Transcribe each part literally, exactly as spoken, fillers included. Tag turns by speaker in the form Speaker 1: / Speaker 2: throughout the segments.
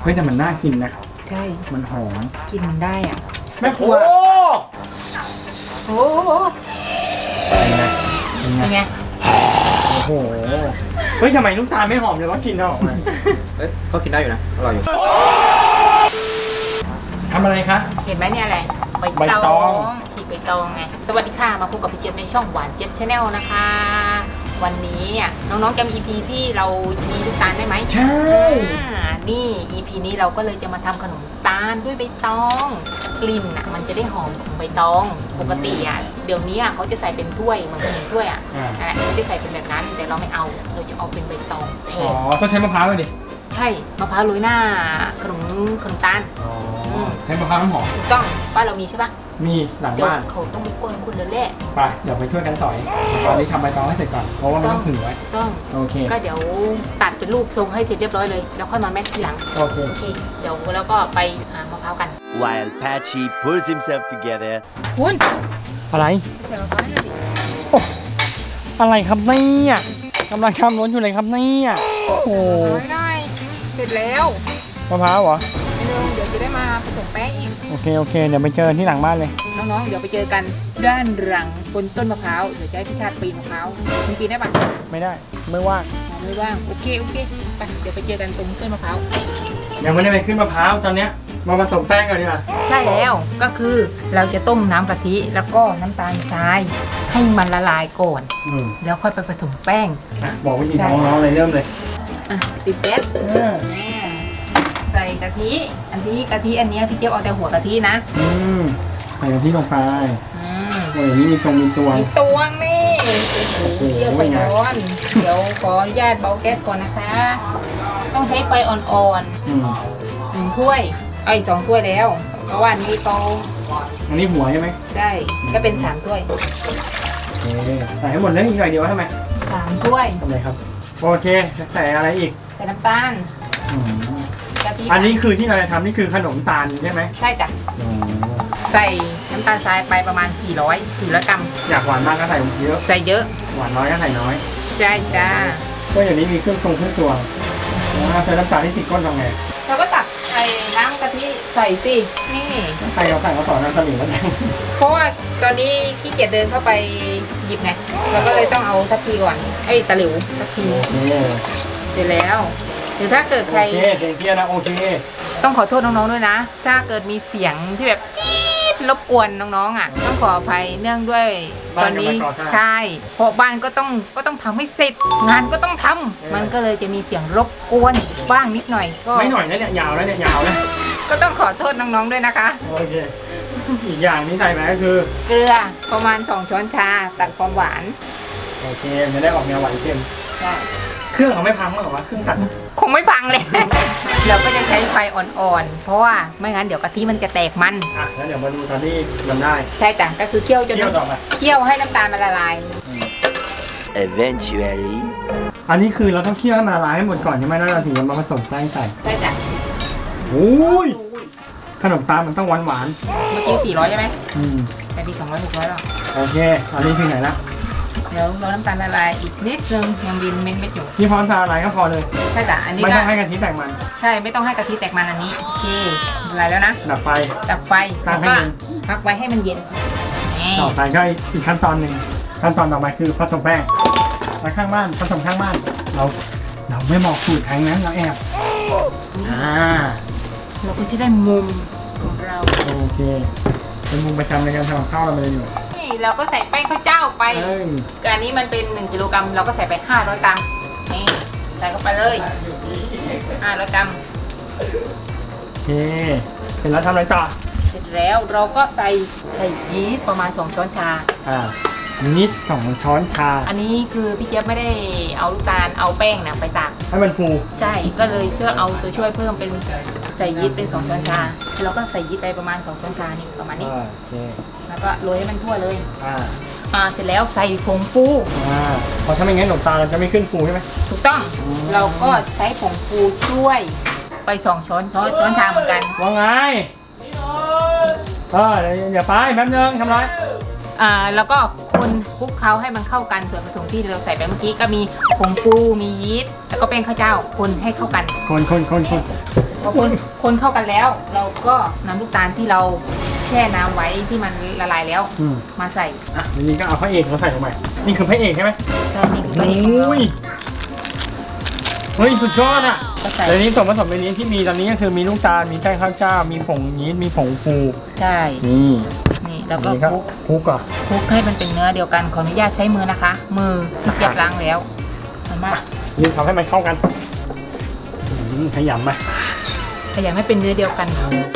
Speaker 1: เฮ้ยแต่มันน่ากินนะ
Speaker 2: ใช่
Speaker 1: มันหอม
Speaker 2: กินมันได้อ่ะ
Speaker 1: แม่ครัว
Speaker 2: โอ้โหเป็นไง
Speaker 1: โอ้โหเฮ้ยทำไมลูกตาลไม่หอมเลยว่ากินหอมเลย
Speaker 3: เอ้ยก็กินได้อยู่นะอร่อยอยู่
Speaker 1: ทำอะไรคะ
Speaker 2: เห็นไหมเนี่ยอะไรใบตองฉีกใบตองไงสวัสดีค่ะมาพบกับพี่เจี๊ยบในช่องหวานเจี๊ยบชาแนลนะคะวันนี้น้องๆจำ อี พี ที่เรามีลูกตาลได้ไหม
Speaker 1: ใช่
Speaker 2: นี่ อี พี นี้เราก็เลยจะมาทำขนมตาลด้วยใบตองกลิ่นอ่ะมันจะได้หอมของใบตองปกติอ่ะเดี๋ยวนี้อ่ะเขาจะใส่เป็นถ้วยเหมือนขนมถ้วยอ่ะอะไรไม่ได้ใส่เป็นแบบนั้นแต่เราไม่เอาเราจะเอาเป็นใบตองแทน
Speaker 1: อ๋อต้องใช้มะพร้าวเลยดิ
Speaker 2: ใช่มะพร้าวโรยหน้าขนมขนมตาล
Speaker 1: ใช้มะพร้าวน้ำหอม
Speaker 2: ถูกต้องบ้านเรามีใช่ปะ
Speaker 1: มีหลังบ้าน
Speaker 2: เขาต้องมีคนคุณเดินเล่
Speaker 1: ไปเดี๋ยวไปช่วยกันสอยตอนนี้ทำใบตองให้เสร็จก่อนเพราะว่ามันต้องผึ่งไว้
Speaker 2: ต้อง
Speaker 1: โอเค
Speaker 2: ก็เดี๋ยวตัดเป็นรูปทรงให้เสร็จเรียบร้อยเลยแล้วค่อยมาแม็กทีหลัง
Speaker 1: โอเค
Speaker 2: โอเคเดี๋ยวแล้วก็ไปหามะพร้าวกัน
Speaker 4: While Patchy pulls himself together
Speaker 2: คุณ
Speaker 1: อะไร
Speaker 2: ใส่มะพร้าวเลยดิ
Speaker 1: อะไรครับเนี่ยกำลังทำล้นอยู่เลยครับเนี่ยโอ้โห
Speaker 2: ไม่ได้เสร็จแล้ว
Speaker 1: มะพร้าวเหรอ
Speaker 2: เดี๋ยวจะได้มาผสมแป้งอีก
Speaker 1: โอเคโอเคเดี๋ยวไปเจอที่หลังบ้านเลย
Speaker 2: น้องๆเดี๋ยวไปเจอกันด้านหลังบนต้นมะพร้าวเดี๋ยวจะให้พี่ชาติปีนมะพร้าวคุณปีนได้ปะ
Speaker 1: ไม่ได้ไม่ว่าง
Speaker 2: ไม่ว่างโอเคโอเคไปเดี๋ยวไปเจอกันตรงต้นมะพร้าว
Speaker 1: ยังไม่ได้ไปขึ้นมะพร้าวตอนเนี้ยมาผสมแป้งกันดีกว่า
Speaker 2: ใช่แล้วก็คือเราจะต้มน้ำกะทิแล้วก็น้ำตาลทรายให้มันละลายก่อนแล้วค่อยไปผสมแป้ง
Speaker 1: บอกวิธีน้องๆเลยเริ่มเลย
Speaker 2: อ่ะติดแก๊สใส่กะทิอันที่กะทิอันนี้พี่เจี๊ยบเอาแต่หัวกะทินะ
Speaker 1: อืมใส่กะทิลงไปอืมโอ้ยนี่มีตรงมีตัว
Speaker 2: มีตัวนี่เยี่ยวไปร้อนเดี๋ยวขออนุญาตเบาแก๊สก่อนนะคะต้องใช้ไฟอ่อนๆหนึ่งถ้วยไอ้สองถ้วยแล้วเพราะว่านี้โต
Speaker 1: อันนี้หัวใช่ไหม
Speaker 2: ใช่ก็เป็นสามถ้วย
Speaker 1: โอเคใส่ให้หมดเลยอีกหน่อยเดียวใช่ไหม
Speaker 2: สามถ้วย
Speaker 1: ทำไมครับโอเคใส่อะไรอีก
Speaker 2: ใส่น้ำตาล
Speaker 1: อันนี้คือที่เราจะทำนี่คือขนมตาลใช่ไหม
Speaker 2: ใช่จ้ะใส่น้ำตาลทรายไปประมาณสี่ร้อย สี่ร้อยกรัม
Speaker 1: อยากหวานมากก็ใส่เยอะ
Speaker 2: ใส่เยอะ
Speaker 1: หวานน้อยก็ใส่น้อย
Speaker 2: ใช่จ้า
Speaker 1: ก็อย่างนี้มีเครื่องตรงเครื่องตัวใส่น้ำตาลที่ติดก้นทำไง
Speaker 2: เราก็ตักใส่น้ำกะทิใส่สินี่
Speaker 1: ใครเอาใส่เขาสอนน้ำตาลแล้ว
Speaker 2: เพราะว่าตอนนี้ขี้เกียจเดินเข้าไปหยิบไงเราก็เลยต้องเอาทัพพีก่อนไอ้ตะหลิวทัพพีเสร็จแล้วหรือถ้าเกิดใคร
Speaker 1: โอเคเสียงเกียร์นะโอเค
Speaker 2: ต้องขอโทษน้องๆด้วยนะถ้าเกิดมีเสียงที่แบบจี๊ดรบกวนน้องๆอ่ะต้องขออภัยเนื่องด้วยตอนนี้ใช่เพราะบ้านก็ต้องก็ต้องทำให้เสร็จงานก็ต้องทำมันก็เลยจะมีเสียงรบกวนบ้างนิดหน่อยก็
Speaker 1: ไม่หน่อยนะเนี่ยยาวแล้วเนี่ยยาวนะ
Speaker 2: ก็ต้องขอโทษน้องๆด้วยนะคะ
Speaker 1: โอเคอีกอย่างนี้ใส่ไหมก็คือ
Speaker 2: เกลือประมาณสองช้อนชาตัดความหวาน
Speaker 1: โอเคจะได้ออกแนวหวานเค็ม
Speaker 2: ใช่
Speaker 1: เครื่องเขาไม่พังหรอวะเครื่องตัด
Speaker 2: คงไม่พังเลย เราก็จะใช้ไฟอ่อนๆเพราะว่าไม่งั้นเดี๋ยวกะทิมันจะแตกมัน
Speaker 1: อ่ะแล้วเดี๋ยวมาดูตอนที่มันได้
Speaker 2: ใช่จ้ะก็คือเคี่ยวจนเคี่ยวให้น้ำตาลมันละลาย
Speaker 4: Eventually
Speaker 1: อันนี้คือเราต้องเคี่ยวให้มันละลายให้หมดก่อนใช่ไหมแล้วเราถึงจะมาผสมแป้งใส่
Speaker 2: ใช่จ้ะ
Speaker 1: โอ้ยขนมตาลมันต้องหวานหวาน
Speaker 2: เมื่อกี้สี่ร้อยใช่ไหม
Speaker 1: อืม
Speaker 2: แต่ดีสองร้อยหกร้อยแล้ว
Speaker 1: โอเคอันนี้ถึงไหนละ
Speaker 2: เดี๋ยวเราน้ำตาลละลายอีกนิดนึงยังบินเม็ดเม็ดอยู่
Speaker 1: นี่พร้อมทาอะไรก็พอเลย
Speaker 2: ใช่จ้ะอันนี้
Speaker 1: ไม่ต้องให้กะทิแตกมัน
Speaker 2: ใช่ไม่ต้องให้กะทิแตกมันอันนี้โอเคอะไรแล้วนะ
Speaker 1: ดับไฟ
Speaker 2: ดับไฟ
Speaker 1: ตั้งให้เย็น
Speaker 2: พักไว้ให้มันเย็น
Speaker 1: ต่อไปก็อีกขั้นตอนหนึ่งขั้นตอนต่อไปคือผสมแป้งแล้วข้างบ้านผสมข้างบ้านเราเราไม่บอกสูตรทางนั้นเราแอบอ่า
Speaker 2: เราก็จะได้มุมของเรา
Speaker 1: โอเคเป็นมุมประจำในการทำข้าวเราเลยอยู่
Speaker 2: นี่เราก็ใส่แป้งข้าวเจ้าไปอันนี้มันเป็นหนึ่งกิโลกรัมเราก็ใส่ไปห้าร้อยกรัมนี่ใส่เข้าไปเลยห้าร้อยกรัม
Speaker 1: โอเคเสร็จแล้วทำอะไรต่อ
Speaker 2: เสร็จแล้วเราก็ใส่ใส่ยีสต์ประมาณสองช้อนชา
Speaker 1: อ่ายีสต์สองช้อนชา
Speaker 2: อันนี้คือพี่เจี๊ยบไม่ได้เอาลูกตาลเอาแป้งเนี่ยไปตาก
Speaker 1: ให้มันฟู
Speaker 2: ใช่ก็เลยเชื่อเอาตัวช่วยเพิ่มเป็นใส่ยีสต์เป็นสองช้อนชาแล้วก็ใส่ยีสต์ไปประมาณสองช้อนชานี่ประมาณนี้
Speaker 1: โอเค
Speaker 2: แล้วก็โรยให้มันทั่วเลย
Speaker 1: อ่า
Speaker 2: อ่าเสร็จแล้วใส่ผงฟู
Speaker 1: อ่าพอถ้าไม่งั้นขนมตาลเราจะไม่ขึ้นฟูใช่ไหม
Speaker 2: ถูกต้องเราก็ใช้ผงฟูช่วยไปสองช้อนช้อนช้อนชาเหมือนกัน
Speaker 1: ว่าไงเออเดี๋ยวไปแป๊บนึงทำไร
Speaker 2: อ่าแล้วก็คนคลุกเคล้าให้มันเข้ากันส่วนผสมที่เราใส่ไปเมื่อกี้ก็มีผงฟูมียีสต์แล้วก็แป้งข้าวเจ้าคนให้เข้ากัน
Speaker 1: คนคนคนคน
Speaker 2: พอคนคนเข้ากันแล้ว เราก็นำลูกตาลที่เราแช่น้ำไว้ที่มันละลายแล้ว
Speaker 1: อืม
Speaker 2: มาใส่
Speaker 1: อ่ะทีนี้ก็เอาพระเอกมาใส่ลงไปนี่คือพระเอกใช่ไหม
Speaker 2: ใช่นี่คือพระเอกของเรา
Speaker 1: โอ้ยเฮ้ยสุดยอดอ่ะ
Speaker 2: ก็ใส่
Speaker 1: เดี๋ยวนี้ส่วนผสมในนี้ที่มีตอนนี้ก็คือมีลูกตาลมีแป้งข้าวเจ้า มีผงยีสต์มีผงฟู
Speaker 2: ใช่
Speaker 1: นี่
Speaker 2: นี่แล้วก็
Speaker 1: อันนี้
Speaker 2: คลุก
Speaker 1: คลุกก่อน
Speaker 2: คลุกให้มันเป็นเนื้อเดียวกันขออนุญาตใช้มือนะคะ มือที่เก็บล้างแล้วมันมาก
Speaker 1: นี่ทำให้มันเข้ากันอืมขยำไป
Speaker 2: ขยำให้เป็นเนื้อเดียวกัน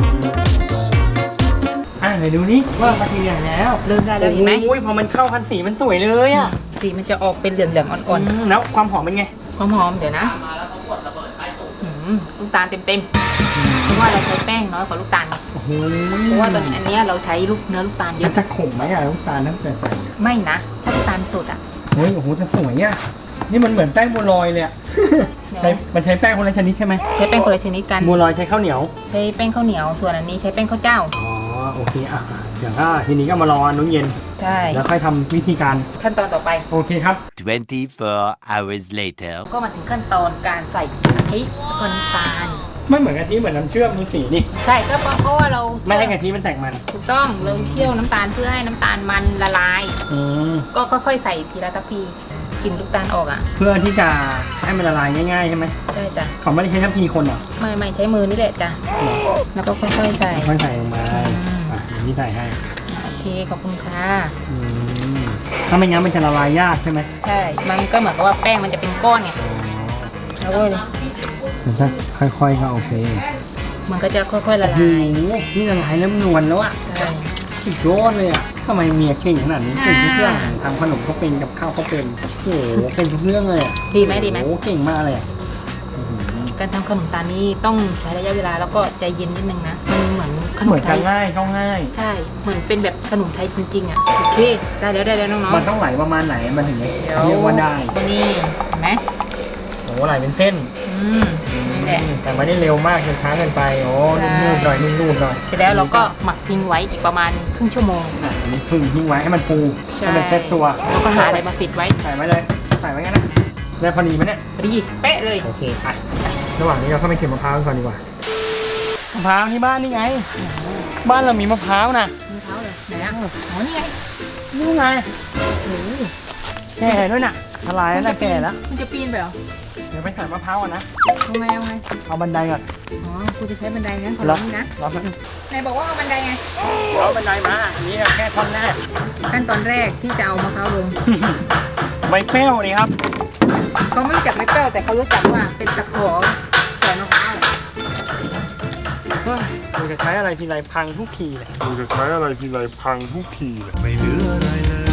Speaker 1: อ่ะไหนดูนี่ว่ามาทีอย่างแล้ว
Speaker 2: เริ่มได้แล้วเห็นไหม
Speaker 1: โอ้ยพอมันเข้ากันสีมันสวยเลยอ่ะ
Speaker 2: สีมันจะออกเป็นเหลืองๆอ่อน
Speaker 1: อืมแล้วความหอมเป็นไง
Speaker 2: ๆหอมๆเดี๋ยวนะอืมลูกตาลเต็มๆเพราะว่าเราใช้แป้งน้อยกว่าลูกตาลไง
Speaker 1: โอ้โห
Speaker 2: เพราะว่าตอนอันเนี้ยเราใช้ลูกเนื้อลูกตาลเย
Speaker 1: มัน
Speaker 2: อะ
Speaker 1: จะขมไหมอ่ะลูกตาลนั่นแต่ใส่
Speaker 2: ไม่นะถ้าลูกตาลสดอ่ะ
Speaker 1: เฮ้ยโอ้โหจะสวยอ่ะนี่มันเหมือนแป้งบัวลอยเลยอ่ะ
Speaker 2: เดี๋ยว
Speaker 1: ใช้มันใช้แป้งคนละชนิดใช่ไหม
Speaker 2: ใช้แป้งคนละชนิดกัน
Speaker 1: บัวลอยใช้ข้าวเหนียว
Speaker 2: ใช้แป้งข้าวเหนียวส่วนอันนี้ใช้แป้งข้าวเจ้า
Speaker 1: อ๋อโอเคอ่ะอย่างก็ทีนี้ก็มารออันนู้นเย็น
Speaker 2: ใช่
Speaker 1: แล้วค่อยทำวิธีการ
Speaker 2: ขั้นตอนต่อไป
Speaker 1: โอเคครับ
Speaker 4: twenty-four hours later.
Speaker 2: ก็มาถึงขั้นตอนการใส่กะทิกับน้ำตาล
Speaker 1: ไม่เหมือนกะทิเหมือนน้ำเชื่อมดูสีนี่
Speaker 2: ใช่ก็เพราะว่าเรา
Speaker 1: ไม่ให้กะทิมันแตกมัน
Speaker 2: ถูกต้องเราเคี่ยวน้ำตาลเพื่อให้น้ำตาลมันละลาย
Speaker 1: อืม
Speaker 2: ก็ค่อยๆใส่ทีละทัพพีกลิ่นลูกตาลออกอ่ะ
Speaker 1: เพื่อที่จะให้มันละลายง่ายๆใช่ไหม
Speaker 2: ใช่จ้ะ
Speaker 1: เขาไม่ได้ใช้ทัพพีคนเหรอ
Speaker 2: ไม่ไม่ใช้มือนี่แหละจ้ะแล้วก็ค่อยๆใส่
Speaker 1: ค่อยใส่ลงมา
Speaker 2: อืม
Speaker 1: อ่ะเดี๋ยวนี่ใส่ให้
Speaker 2: โอเคขอบคุณค่ะ
Speaker 1: อืมถ้าไม่งั้นมันจะละลายยากใช่ไหม
Speaker 2: ใช่ มันก็เหมือนกับว่าแป้งมันจะเป็นก้อนไงแล้วก็
Speaker 1: มันจะค่อยๆก็โอเค
Speaker 2: มันก็จะค่อยๆละ
Speaker 1: โอ้
Speaker 2: ลาย
Speaker 1: โหนี่ละลายแล้วนวลแล้วอ่ะ
Speaker 2: ใช่
Speaker 1: สุดยอดเลยอ่ะทำไมเมียเก่งขนาดนี้เก่งทุกเรื่องทำขนมก็เป็นกับข้าวก็เป็นโอ้โหเก่งทุกเรื่องเลยอ่ะ
Speaker 2: ดีไหมดีไหม
Speaker 1: โอ้โหเก่งมากเลยอ่ะอื้อหือ
Speaker 2: การทำขนมตาลนี้ต้องใช้ระยะเวลาแล้วก็ใจเย็นนิดนึงนะ มันเหมือนขน
Speaker 1: เหมื
Speaker 2: ม
Speaker 1: อน
Speaker 2: ไท
Speaker 1: กัน
Speaker 2: ย
Speaker 1: ง่ายก็ง่าย
Speaker 2: ใช่ เหมือนเป็นแบบขนมไทยจริงๆอ่ะ โอเค ได้แล้วได้แล้วน้อง
Speaker 1: มันต้องไหลประมาณไหนมันถึงจะ
Speaker 2: ๆเดี๋ยว
Speaker 1: เรียกว่าได้
Speaker 2: นี่เห็นไหม
Speaker 1: โอ้โหไหลเป็นเส้น
Speaker 2: อืมนี่แหละ
Speaker 1: แต่ไม่ได้เร็วมากจนช้าเกินไปโอ้
Speaker 2: ใช่
Speaker 1: นุ่มๆหน่อยนุ่มๆหน่อย
Speaker 2: เสร็จแล้วเราก็หมักทิ้งไว้อีกประมาณครึ่งชั่วโมง
Speaker 1: อ่ะอันนี้พึ่งทิ้งไว้ให้มันฟู
Speaker 2: ใช่
Speaker 1: ให้มันเซ็ตตัว
Speaker 2: แล้วก็หาอะไรมาปิดไว้
Speaker 1: ใส่ไว้เลยใส่ไว้งั้นนะได้พอดีไหมเนี่ย
Speaker 2: พอดีเป๊ะเลย
Speaker 1: โอเคไประหว่างนี้เราเข้าไปเก็บมะพร้าวกันก่อนดีกว่ามะพร้าวที่บ้านนี่ไง บ้านเรามีมะพร้าวนะ
Speaker 2: มือเท้าเลยไหนนะอ๋อนี่ไง
Speaker 1: นี่ไง
Speaker 2: โอ้โห
Speaker 1: แก่ด้วยน่ะทลายแล้ว
Speaker 2: มัน
Speaker 1: นะ
Speaker 2: จะปี
Speaker 1: แก่
Speaker 2: น
Speaker 1: แล้ว
Speaker 2: มันจะปีนไปเหรอ
Speaker 1: เดี๋ยวไปใส่มะพร้าวก่อนนะ
Speaker 2: เอาไงเอาไง
Speaker 1: เอาบันไดก่อน
Speaker 2: อ๋อกูจะใช้บันไดงั้นขอลองนี่นะ
Speaker 1: รอแป๊บนึง
Speaker 2: ไหนบอกว่าเอาบันไดไง
Speaker 1: เอาบันไดมาอันนี้แค่ท่อนแรก
Speaker 2: ขั้นตอนแรกที่จะเอามะพร้าวลง
Speaker 1: ใบเปรี้ยวนี่ครับ
Speaker 2: เขาไม่รู้จักไม่เปรี้ยวแต่เขารู้จักว่าเป็นตะขอใส่มะพร้าว
Speaker 1: เฮ้ยมึงจะใช้อะไรทีไรพังทุกทีเลย
Speaker 5: มึงจะใช้อะไรทีไรพังทุกทีเลย
Speaker 6: ไม่เหลืออะไรเลย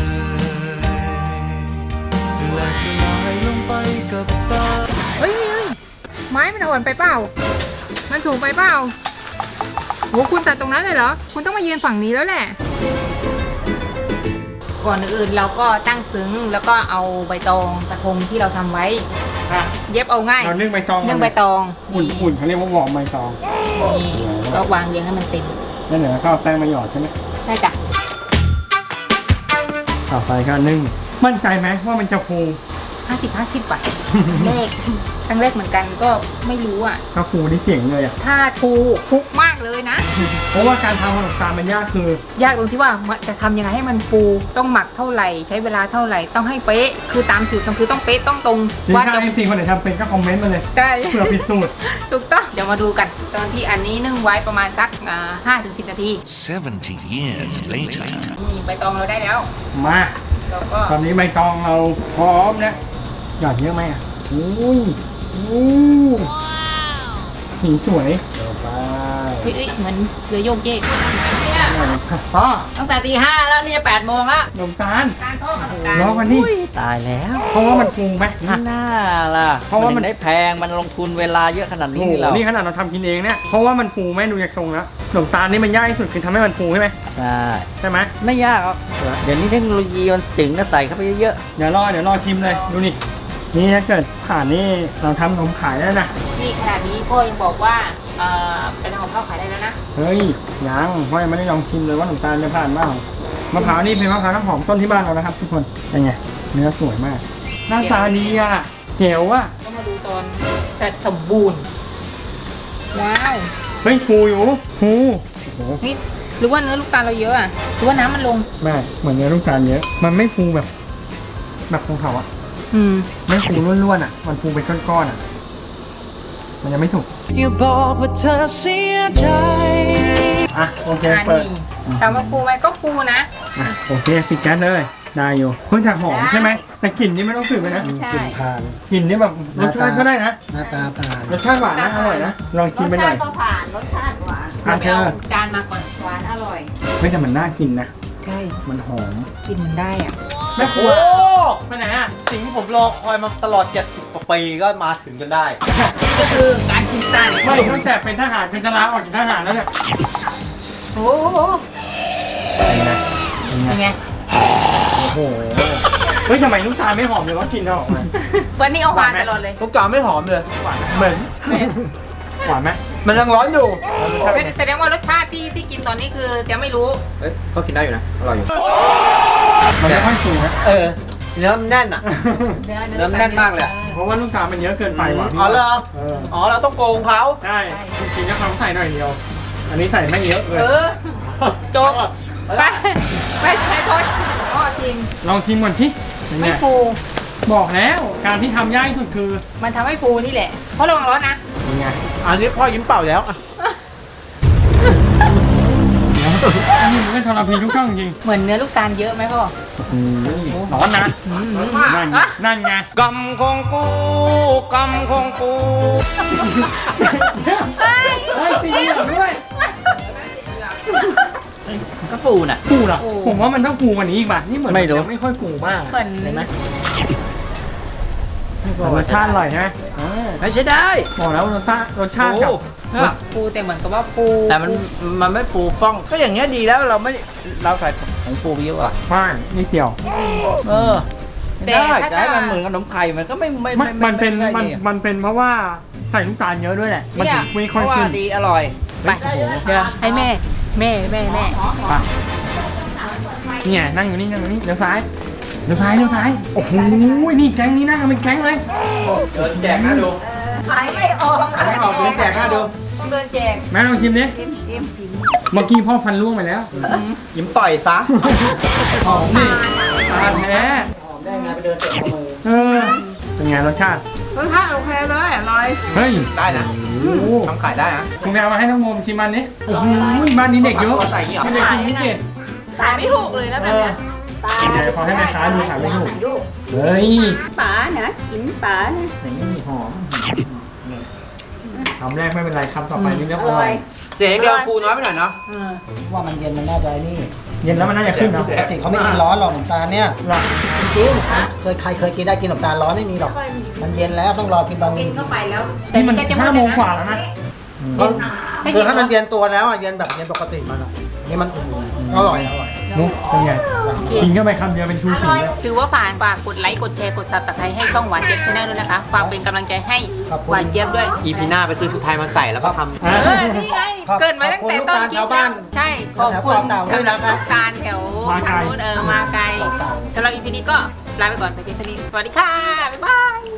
Speaker 6: และจะลอยลงไปกับตา
Speaker 2: เฮ้ยเฮ้ยไม้มันอ่อนไปเปล่า มันสูงไปเปล่าโหคุณตัดตรงนั้นเลยเหรอ คุณต้องมายืนฝั่งนี้แล้วแหละ ก่อนอื่นเราก็ตั้งซึ้งแล้วก็เอาใบตองกระทงที่เราทำไว้
Speaker 1: อ่ะ
Speaker 2: เย็บเอาง่าย
Speaker 1: เราเรื่องใบตอง
Speaker 2: เรื่องใบตอง
Speaker 1: อุ่นอุ่นเขาเรียกว่าวอร์มใบตอง
Speaker 2: นี่ก็วางเรียงให้มันเต็ม
Speaker 1: แล้วเดี๋ยวก็เอาแป้งมาหยอดใช่ไหม
Speaker 2: ได้จ้ะ
Speaker 1: ต่อไปก็นึ่งมั่นใจไหมว่ามันจะฟู
Speaker 2: ห้าสิบห้าสิบบาทเลขครั้งแรกเหมือนกันก็ไม่รู้อ่ะ
Speaker 1: ถ้าฟูนี่เจ๋งเลยอ่ะ
Speaker 2: ถ้าถูกฟุกมากเลยนะ
Speaker 1: เพราะว่าการทำขนมตาลมันยากคือ
Speaker 2: ยากตรงที่ว่ามันจะทำยังไงให้มันฟูต้องหมักเท่าไหร่ ใช้เวลาเท่าไหร่ต้องให้เป๊ะ คือตามสูตรต้องคือต้องเป๊ะต้องตรง
Speaker 1: จริง
Speaker 2: ว่า
Speaker 1: ถ้า
Speaker 2: จะ
Speaker 1: เอฟซีคนไหนทำเป็นก็คอมเมนต์มาเลย
Speaker 2: ได้
Speaker 1: เพื่อผิดสูตร
Speaker 2: ถูกต้องเดี๋ยวมาดูกัน ตอนที่อันนี้นึ่งไว้ประมาณสักห้าถึงสิบนาที
Speaker 6: seventy years later
Speaker 2: นี่ใบตองเราได้แล้ว
Speaker 1: มา
Speaker 2: เราก็
Speaker 1: ตอนนี้ใบตองเราพร้อมแล้วหยอดเยอะไหมอ่ะอุ้ยอู้สีสวยต่อไป
Speaker 2: เฮ้ยเอ้ยเหมือนเรือโยกเยก
Speaker 1: พ่อ
Speaker 2: ตั้งแต่ตีห้าแล้วเนี่ยแปดโมงแล้ว
Speaker 1: ขนมตาล
Speaker 2: การทอดขนมตาล
Speaker 1: รอกันนี่
Speaker 3: ตายแล้ว
Speaker 1: เพราะว่ามันฟูไหม
Speaker 3: นี่น่าล่ะ
Speaker 1: เพราะว่ามัน
Speaker 3: ได้แพงมันลงทุนเวลาเยอะขนาด
Speaker 1: โอ้
Speaker 3: นี้
Speaker 1: โห
Speaker 3: นี่เรา
Speaker 1: นี่ขนาดเราทำกินเองเนี่ยเพราะว่ามันฟูไหมดูจากทรงแล้วขนมตาลนี่มันยากที่สุดคือทำให้มันฟูใช่ไหม
Speaker 3: ใช่
Speaker 1: ใช่ไหม
Speaker 3: ไม่ยากหรอกเดี๋ยวนี้เทคโนโลยีมันถึงก็ใส่เข้าไปเยอะ
Speaker 1: เดี๋ยวรอเดี๋ยวรอชิมเลยดูนี่นี่ถ้าเกิดผ่านนี่เราทำขนมขายได้นะ
Speaker 2: นี่ขนาดนี้พ่อยังบอกว่าเอ่อเป็นของข้าวขายได้แล้วนะ
Speaker 1: เฮ้ยยังพ่อยังไม่ได้ลองชิมเลยว่าขนมตาลจะผ่านบ้างมะพร้าวนี่เป็นมะพร้าวน้ำหอมต้นที่บ้านเรานะครับทุกคนเป็นไงเนื้อสวยมากหน้าตาดีอ่ะเจ๋วอ่ะ
Speaker 2: ก็มาดูตอนจัดสมบูรณ์ว้าว
Speaker 1: เฮ้ยฟูอยู่ฟูโอ้โห
Speaker 2: นี่หรือว่าเนื้อลูกตาลเราเยอะอ่ะหรือว่าน้ำมันลง
Speaker 1: แม่เหมือนเนื้อลูกตาลเยอะ มันไม่ฟูแบบ แบบของเขาอะ
Speaker 2: อืม
Speaker 1: ไม่ฟูล้วนๆอะมันฟูเป็นก้อนๆอะมันยังไม่สุก
Speaker 6: อย่าบอกว่าเธอเสียใจ
Speaker 1: อ่ะโอเค
Speaker 2: อ่า
Speaker 1: เปิด
Speaker 2: นี่ถามว่าฟูไหมก็ฟูนะ
Speaker 1: อ่ะโอเคปิดแก๊สเลยได้อยู่เพิ่งจากหอมใช่ไหมแต่กลิ่นนี่ไม่ต้องสืบเลยนะ
Speaker 2: ใช่
Speaker 7: ทาน
Speaker 1: กลิ่นนี่แบบรสชาติก็ได้นะ
Speaker 7: หน้าตาทาน
Speaker 1: รสชาติหวานนะอร่อยนะลองชิมไปหน่อย
Speaker 8: รสชาติก็ผ่าน รสชาติหวาน
Speaker 1: อ่ะเธอ
Speaker 2: เอาจานมาก่อน
Speaker 8: หวานอร่อย
Speaker 1: ไม่แต่มันน่ากินนะ
Speaker 2: ใช่
Speaker 1: มันหอม
Speaker 2: กินมันได้อ่ะ
Speaker 1: แม่ครัว
Speaker 3: โอ้
Speaker 1: ไปไหนอะ
Speaker 3: สิ่งที่ผมรอคอยมาตลอดเจ็ดสิบกว่าปีก็มาถึงจนได้
Speaker 2: ก็คือการกินตาล
Speaker 1: ไม่ตั้งแต่เป็นทหารเป็นจะลาออกจากทหารแล้วเนี่ย
Speaker 2: โอ้โหเป็นไง
Speaker 1: โอ้โหเฮ้ยทำไมลูกตาลไม่หอมเลยวะกลินออกมา
Speaker 2: วันนี้เอาหวานตลอดเลย
Speaker 3: ทุกจานไม่หอมเลย
Speaker 1: เหมือนหวานไหม
Speaker 3: มันยังร้อนอยู่
Speaker 2: แสดงว่ารสชาติที่ที่กินตอนนี้คือจะไม่รู้
Speaker 3: เอ้ยก็กินได้อยู่นะ อร่อยอยู่
Speaker 1: มันไม่ค่อยฟูนะ
Speaker 3: เออ เนื้อมันแน่นอ่ะ
Speaker 2: เนื้อ
Speaker 3: เนื้อแน่นมากเลย
Speaker 1: เพราะว่าลูกตาลมันเยอะเกินไปว่ะ
Speaker 3: อ๋อเหรอ
Speaker 1: เออ
Speaker 3: อ๋อ เราต้องโกงเขา
Speaker 1: ใช่จริงๆก็เขาใส่หน่อยเดียว อันนี้ใส่ไม่เยอะเลย
Speaker 2: เออโจกไปไปใช้โทษพ่อจริง
Speaker 1: ลองชิมก่อนชิเป็นไง
Speaker 2: ไม่ฟู
Speaker 1: บอกแล้วการที่ทำยากที่สุดคือ
Speaker 2: มันทำให้ฟูนี่แหละ เพราะระวังร้อนนะ
Speaker 1: เป็นไง
Speaker 3: อันนี้พ่อยิ้มเปล่าแล้วอ่ะ
Speaker 1: เดี๋ยวอันนี้มันก็ทรพีทุกช่องจริง
Speaker 2: เหมือนเนื้อลูกตาลเยอะไหมพ่อ
Speaker 1: ร้อนนะนั่นไงนั่นไง
Speaker 3: กำของกูกำของกู
Speaker 1: เฮ้ยตีเหลืองด้วย
Speaker 3: ก็ฟูน่ะ
Speaker 1: ฟูเหรอผมว่ามันต้องฟูกว่านี้อีกป่ะนี่เหมือน
Speaker 3: ไม่รู้
Speaker 1: นยังไม่ค่อยฟูมาก
Speaker 2: เหมือน
Speaker 1: เห็นไหมรสชาติอร่อยใช่ไหมอ่า
Speaker 3: ไม่ใช่ได้
Speaker 1: บอกแล้วรสชาติรสชาติกับ
Speaker 2: ฟูแต่เหมือนกับว่าฟู
Speaker 3: แต่มันมันไม่ฟูฟ่อง ก็อย่างเงี้ยดีแล้วเราไม่เราใส่ของฟูเยอะอ่ะ
Speaker 1: ฟ้านนี่เดียว
Speaker 3: เออไม่ได้จะให้มันเหมือนขนมไข่มันก็ไม่ไม่
Speaker 1: มัน
Speaker 3: ไม่
Speaker 1: มันเป็น
Speaker 3: ไได้
Speaker 1: มัน
Speaker 3: ดิ
Speaker 1: มันเป็นเพราะว่าใส่ลูกตาลเยอะด้วยแหละมัน
Speaker 3: เนี่
Speaker 1: ถึ
Speaker 3: ย
Speaker 1: งไม่
Speaker 3: เพ
Speaker 1: ค่อย
Speaker 3: ราะว่า
Speaker 1: ขึ้น
Speaker 3: ดีอร่อย
Speaker 2: ไปเดี๋ยวให้แม่ แม่แม่แม่
Speaker 1: ไปเนี่ยนั่งอยู่นี่นั่งอยู่นี่เลี้ยวซ้ายเลี้ยวซ้ายเลี้ยวซ้ายโอ้โหนี่แก๊งนี้นั่งกันเป็นแก๊งเลย
Speaker 3: เดินแจกนะดู
Speaker 8: ขายไม่ออก
Speaker 3: อันนี้ออกเดินแจกนะดู
Speaker 2: ต้องเดินแจก
Speaker 1: แม่ลองชิมดิ
Speaker 8: เต็มเต็มผิว
Speaker 1: เมื่อกี้พ่อฟันร่วงไปแล้ว
Speaker 3: ยิ้มต่อยซะ
Speaker 1: หอมนี่ตาแท้
Speaker 7: หอมได้ไงไปเดินเตะขโมย
Speaker 1: เออเป็นไงรสชาติ
Speaker 2: รสชาติโอเคเลยอร่อย
Speaker 1: เฮ้ย
Speaker 3: ได้นะ
Speaker 1: โอ้โห
Speaker 3: ทำขายได้นะ
Speaker 1: คุณไปเอามาให้น้องโมมชิมมันนี้โอ้โหบ้านนี้เด็กเยอะ
Speaker 3: ใส่อย่างนี้เหรอ
Speaker 1: ไม่ได้กินไม่เก่ง
Speaker 2: ขายไม่ถูกเลยนะ
Speaker 1: เอ
Speaker 2: แบบ
Speaker 1: อ
Speaker 2: เนี้ย
Speaker 1: เดี๋ยวพอให้แม่ค้าดูขายไม่ถูกเฮ้ย
Speaker 8: ป๋านะกินป๋านะ
Speaker 1: นี่หอมคำแรกไม่เป็นไรคำต่อไปนี่เรียบร้อย
Speaker 3: เสียงเดียวฟูน้อยไปหน่อยเนาะ
Speaker 7: ว่ามันเย็นมันน่าจะไอ้นี่
Speaker 1: เย็นแล้วมันน่าจะขึ้นเนาะ
Speaker 7: ปกติเขาไม่กินร้อนหรอกขนมตาลเนี่ย
Speaker 1: หรอ
Speaker 7: จริงๆเคยใครเคยกินได้กินขนมตาลร้อนไม่มีหรอก มันเย็นแล้วต้องรอกินตอน
Speaker 8: กิ
Speaker 7: นี้
Speaker 8: นเข้าไปแล้ว
Speaker 1: นี่มันห้าโมงกว่าแล้วนะ
Speaker 7: คือถ้ามันเย็นตัวแล้วอ่ะเย็นแบบเย็นปกติมันอ่ะนี่มันอุ่นอร่อยอร่อย
Speaker 1: นุ๊กเป็นไงกินเข้าไปคำเดียวเป็นชูสีเลย
Speaker 2: ถือว่าฝากฝากกดไลค์ กดแชร์ กดซับสไครต์ให้ช่องหวานเจี๊ยบชาแนลด้วยนะคะ ฝากเป็นกำลังใจให้หวานเจี๊ยบด้วย
Speaker 3: อีพีหน้าไปซื้อชุดไทยมาใส่แล้วก็ทำ
Speaker 1: อ่ะ
Speaker 2: เออนี่ไง เกิดมาตั้งแต่ต้นคลิปแล้วใช่ ขอบคุณสำหรับการแถวทางนู้นเออ มาไกลสำหรับอีพีนี้ก็ลาไปก่อนแต่เพียงเท่านี้ สวัสดีค่ะ บ๊ายบาย